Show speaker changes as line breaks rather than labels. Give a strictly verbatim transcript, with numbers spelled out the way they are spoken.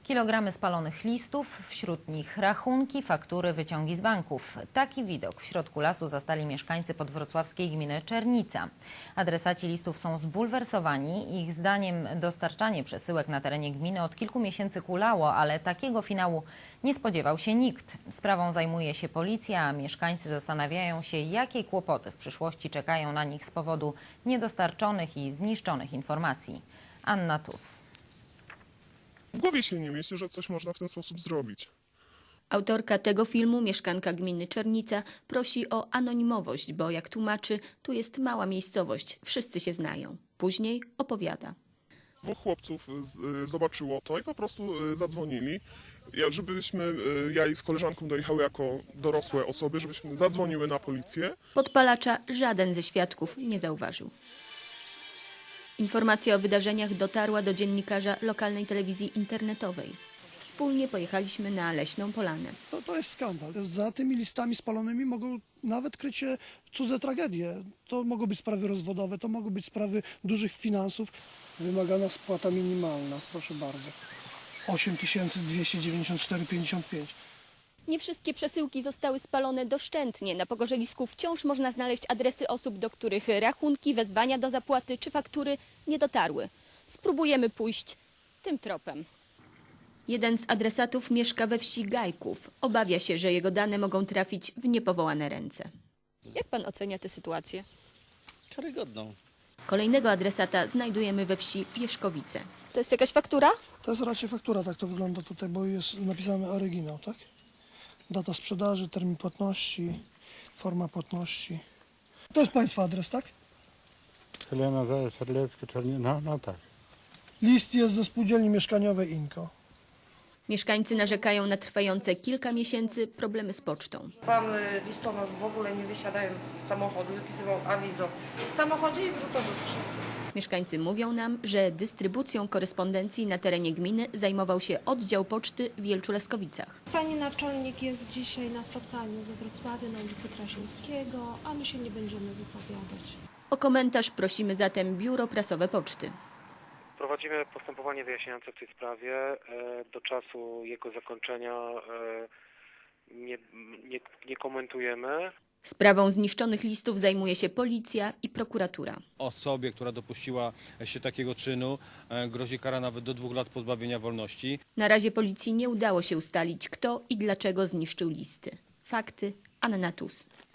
Kilogramy spalonych listów, wśród nich rachunki, faktury, wyciągi z banków. Taki widok w środku lasu zastali mieszkańcy podwrocławskiej gminy Czernica. Adresaci listów są zbulwersowani. Ich zdaniem dostarczanie przesyłek na terenie gminy od kilku miesięcy kulało, ale takiego finału nie spodziewał się nikt. Sprawą zajmuje się policja, a mieszkańcy zastanawiają się, jakie kłopoty w przyszłości czekają na nich z powodu niedostarczonych i zniszczonych informacji. Anna Tus.
W głowie się nie mieści, że coś można w ten sposób zrobić.
Autorka tego filmu, mieszkanka gminy Czernica, prosi o anonimowość, bo jak tłumaczy, tu jest mała miejscowość, wszyscy się znają. Później opowiada.
Dwóch chłopców z, zobaczyło to i po prostu y, zadzwonili, ja, żebyśmy, y, ja i z koleżanką dojechały jako dorosłe osoby, żebyśmy zadzwoniły na policję.
Podpalacza żaden ze świadków nie zauważył. Informacja o wydarzeniach dotarła do dziennikarza lokalnej telewizji internetowej. Wspólnie pojechaliśmy na Leśną Polanę.
To, to jest skandal. Za tymi listami spalonymi mogą nawet kryć się cudze tragedie. To mogą być sprawy rozwodowe, to mogą być sprawy dużych finansów. Wymagana spłata minimalna, proszę bardzo. osiem tysięcy dwieście dziewięćdziesiąt cztery pięćdziesiąt pięć.
Nie wszystkie przesyłki zostały spalone doszczętnie. Na pogorzelisku wciąż można znaleźć adresy osób, do których rachunki, wezwania do zapłaty czy faktury nie dotarły. Spróbujemy pójść tym tropem. Jeden z adresatów mieszka we wsi Gajków. Obawia się, że jego dane mogą trafić w niepowołane ręce. Jak pan ocenia tę sytuację?
Karygodną.
Kolejnego adresata znajdujemy we wsi Jeszkowice. To jest jakaś faktura?
To jest raczej faktura, tak to wygląda tutaj, bo jest napisany oryginał, tak? Data sprzedaży, termin płatności, forma płatności. To jest państwa adres, tak?
Helena Zając-Terlecka, Czerni... No, no tak.
List jest ze spółdzielni mieszkaniowej Inko.
Mieszkańcy narzekają na trwające kilka miesięcy problemy z pocztą.
Pan listonosz w ogóle nie wysiadając z samochodu wypisywał awizo w samochodzie i wrzucał do skrzynki.
Mieszkańcy mówią nam, że dystrybucją korespondencji na terenie gminy zajmował się oddział poczty w Jelczu-Leskowicach.
Pani naczelnik jest dzisiaj na spotkaniu we Wrocławiu na ulicy Krasińskiego, a my się nie będziemy wypowiadać.
O komentarz prosimy zatem Biuro Prasowe Poczty.
Prowadzimy postępowanie wyjaśniające w tej sprawie. Do czasu jego zakończenia nie, nie, nie komentujemy.
Sprawą zniszczonych listów zajmuje się policja i prokuratura.
Osobie, która dopuściła się takiego czynu, grozi kara nawet do dwóch lat pozbawienia wolności.
Na razie policji nie udało się ustalić, kto i dlaczego zniszczył listy. Fakty Anna Tus.